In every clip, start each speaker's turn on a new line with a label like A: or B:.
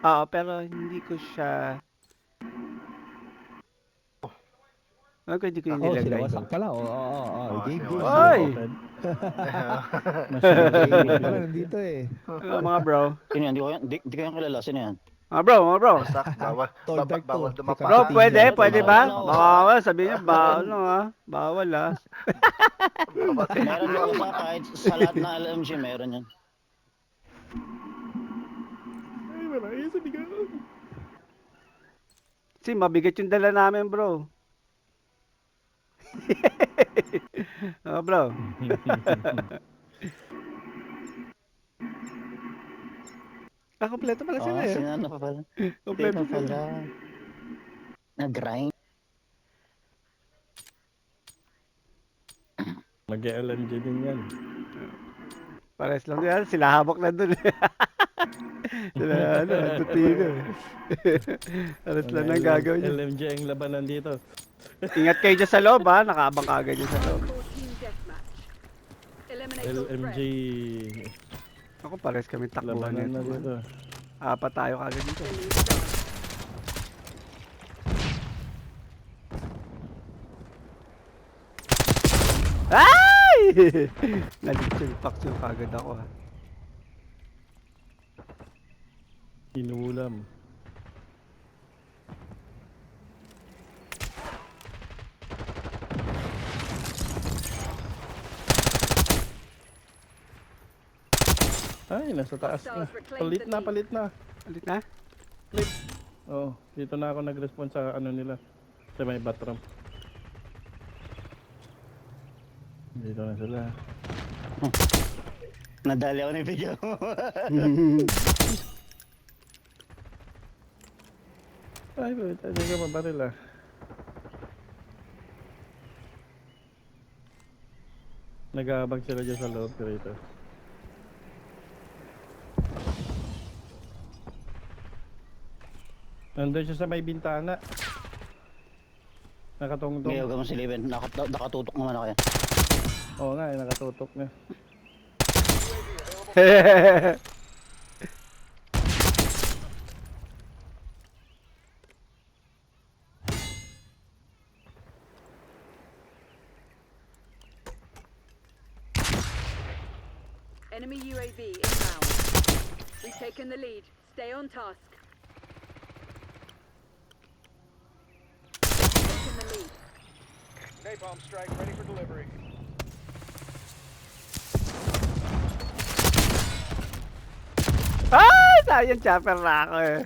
A: Oo, pero hindi ko siya hindi ko yung
B: Oh,
A: nilagay.
B: sinawasak pala.
C: Oh,
B: Game, game,
C: sinawasak.
B: game.
A: Oy!
B: Fred.
C: Sige,
B: Masyadong
C: sige.
B: pala nandito eh.
A: Ano mga bro?
D: Sino yan? Di ko yan kilala. Sino yan?
A: Mga bro.
C: Wasak, bawal,
B: Tall dark
C: bawal
B: to. Si
C: dumapa
A: Bro,
C: ha.
B: Kapitinya.
A: pwede
D: Wala
A: ba?
D: na ako.
A: Baka sabihin niyo, bawal ah.
C: Bawal.
D: Meron yung usa kahit sa lahat ng LMG meron yan.
B: Ay, marami sa bigaw.
A: Kasi mabigat yung dala namin bro. Bro. Kompleto pala sila eh.
D: Sino na pa pala?
A: Kompleto
D: Sino
A: sila.
D: pala? Nag-grind.
B: Mag-LMG din yan.
A: Pares lang yan. Sila habok na dun. Sila tutino eh. Pares lang ang gagawin niya.
B: LMG ang labanan dito.
A: Ingat kayo dyan sa loob ha. Nakaabang kagad dyan sa loob.
B: LMG
A: Ako pares kami takbuhan
B: labanan na
A: nito.
B: dito.
A: Apat tayo kagad dito. Ay! Nalitsulpak yung kagad ako ha.
B: Inuulam. Ay, nasa taas na. Palit na.
A: Ulit na?
B: Oh, dito na ako nag-respond sa ano nila. Sa may bathroom. Dito na sila.
D: Nadali ako ng video mo.
B: Ay, hindi ka mabaril ah. Nag-aabang sila dyan sa loob rito. Nandun siya sa may bintana. Nakatungtong.
D: Ngayon ka mo si Leven. Nakatutok naman ako yan.
B: Oo nga, nakatutok na.
E: Enemy UAV inbound. We've taken the lead. Stay on task. Taken the lead.
F: Napalm strike ready for delivery.
A: Ay! Sayang chopper na ako eh.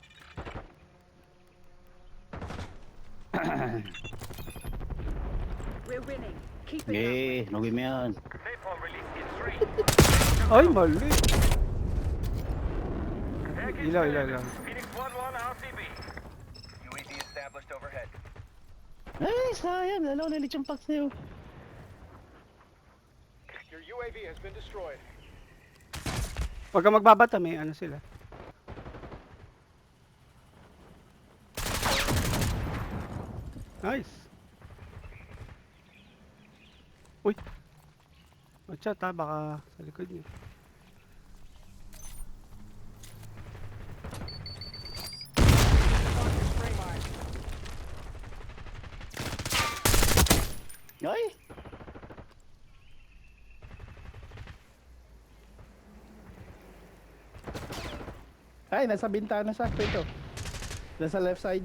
E: We're winning. Keep it up.
D: Okay, nagawin mo yan.
F: Napalm released in 3.
A: Ay, mali. Ilaw.
F: Phoenix 1-1 RCB. UAV established overhead.
D: Ay, sayang. Lalo na yung packs niyo.
F: Your UAV has been destroyed.
A: Huwag kang magbabata, may ano sila. Nice. Uy. Watch out ha, baka sa likod niyo.
D: Ay!
B: Ay, nasa bintana siya. Ito. Nasa left side.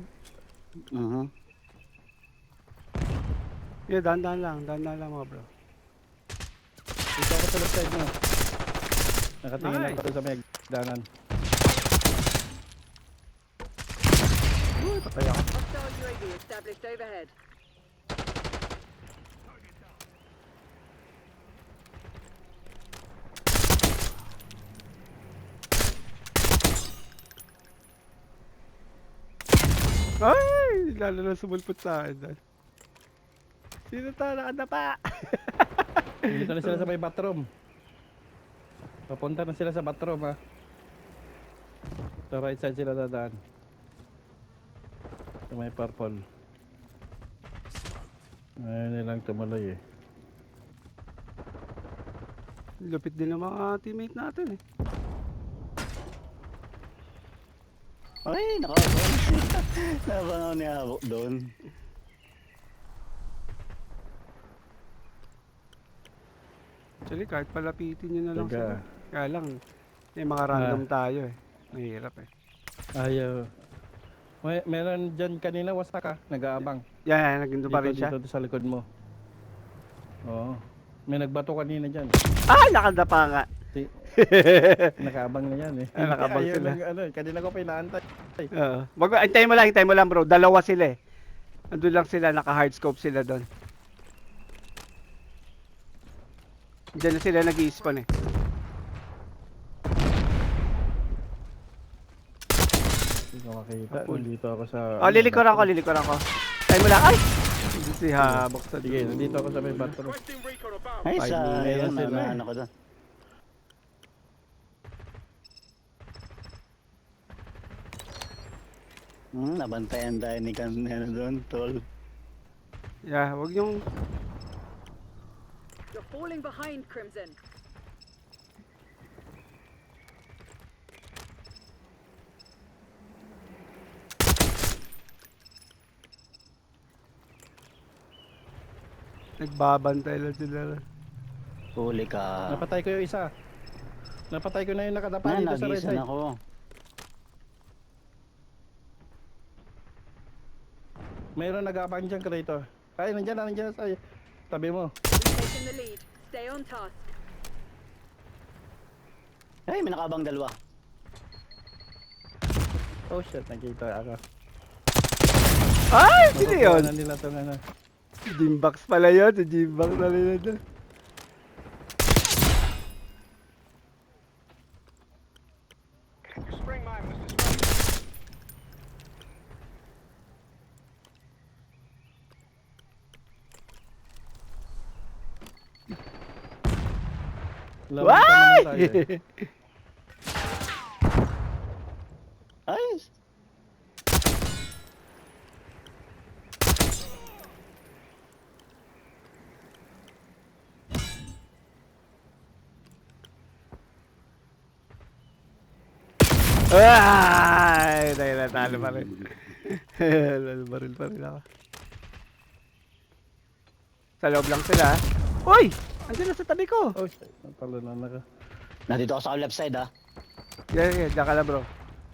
A: Yeah, dahan lang mga bro.
B: Dito ako sa left side mo. Nakatingin
A: Nice.
B: ako sa may danan.
A: Uy, patay ako.
E: Hostile UAV established overhead.
A: Ay, lalo na sumulpot sa akin doon. Sino to nakadapa?
B: Dito na sila sa may bathroom. Papunta na sila sa bathroom ha. Sa right side sila dadaan. Sa may purple. Ayaw nilang tumuloy eh.
A: Lupit din ng mga teammate natin eh.
D: Ay, nakakabang siya. Nabangaw niya hawak doon.
A: Actually, kahit palapitin nyo na lang
B: Taga.
A: sila. Kaya lang, may mga random tayo eh. Mahirap eh.
B: Ayaw. Meron dyan kanina, wasak ka. Nag-aabang.
A: Yan, naging pa rin siya.
B: Dito sa likod mo. Oo. May nagbato kanina dyan.
A: Ah, nakadapa nga.
B: Si, nakaabang na yan eh.
A: Ah, nakaabang
B: Ayaw
A: sila.
B: Ano, kanina ko pinaantay.
A: Oo. Hintayin mo lang bro. Dalawa sila eh. Andun lang sila, naka-hardscope sila doon. Diyan na sila nag-i-spawn eh.
B: Hindi ko makita.
A: Kapul.
B: Nandito ako sa...
A: Oh, lilikuran ko. Hintayin mo lang. Ay! Hindi si habok sa
B: Sige, nandito ako sa may bathroom.
F: Requesting recon above.
D: Ay,
B: Ay,
D: sayang.
B: meron sila.
D: Ano ko doon. Nabantayan tayo ni Kanena doon, tol.
A: Yeah, wag yung...
E: You're falling behind, Crimson.
A: Nagbabantay lang sila.
D: Huli ka.
B: Napatay ko yung isa. Napatay ko na yung nakadapa
D: Na,
B: dito sa right
D: nagisan
B: side.
D: ako.
B: Mayroon nag-aabang dyan, Creator. Ay, nandiyan sa tabi mo.
E: We've taken the lead. Stay on task.
D: Ay, may nakabang dalawa.
B: Oh shit, nakita ako.
A: Ay! Sino yun?
B: Makukuha na nila itong ano.
A: Gymbox pala yun. Si Gymbox na nila doon.
F: Your spring mine was destroyed.
B: Laban pa naman tayo
A: Why?
B: eh.
D: Ay!
A: Ay! Dahil natalo pa rin. Baril pa rin ako. Sa loob lang sila. Uy! Andiyan na sa tabi ko.
B: Oh shit, natalo na naka.
D: Nandito ako sa left side, ha?
A: Yeah, diyan ka na bro.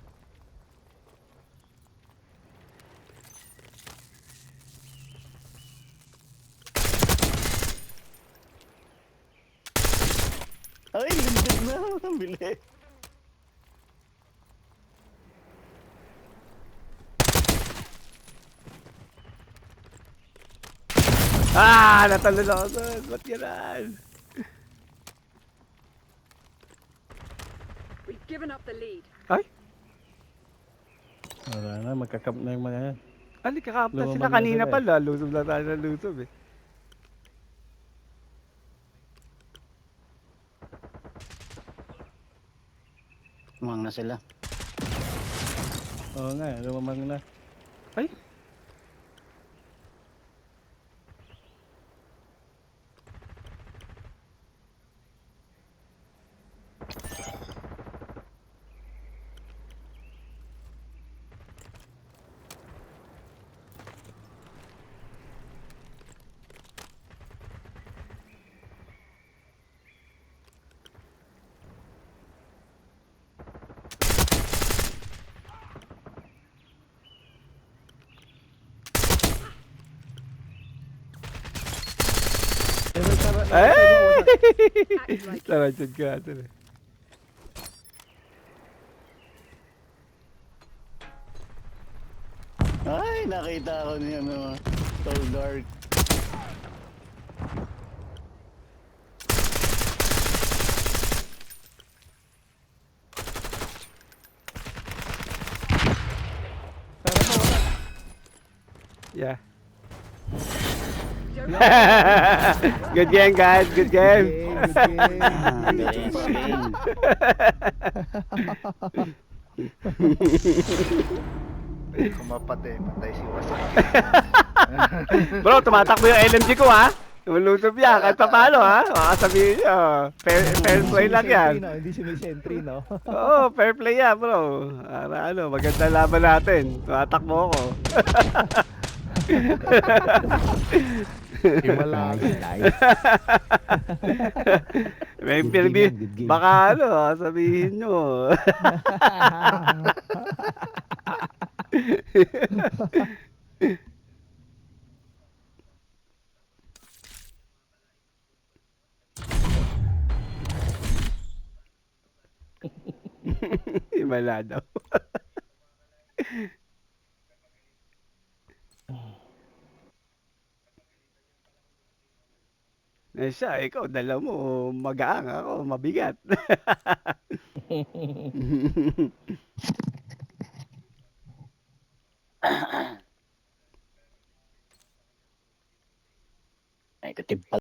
D: Ay, lindig na. Ang bilis.
A: Ah! Natalo na ako doon. Ba't yan?
E: We've given up the lead.
A: Ay!
B: Wala na, magkakamp na yung mga yan.
A: Ali, kakapta
B: Lumaban
A: sila
B: na
A: kanina
B: sila eh.
A: pala. Lusob na tayo ng lusob eh.
D: Umang na sila.
B: Oo nga, lumamang na.
A: Ay!
B: Eh, may tara-
A: Ay!
E: Act like it.
A: Sarachod ka ito eh.
D: Ay, nakita ko niya, ano, tall dark.
A: Yeah.
E: You're
A: Good game guys, good game.
D: Ah, bilis, game.
C: Kumapatay, patay si Wasak.
A: Bro, tumatakbo yung LMG ko ha. Lulusob yan, kahit pa paano ha? Makasabihin nyo. Fair play lang yan.
C: No? Hindi sumisentry, no?
A: Oo, fair play yan bro. Ano, maganda laban natin. Tumatakbo ako.
B: Himala.
C: Nice.
A: May
C: Good
A: pirmi,
C: game yan, good game.
A: baka ano, sabihin nyo. Himala daw. Eh siya, ikaw, dala mo, magaang ako, mabigat.
D: Ay, katimpal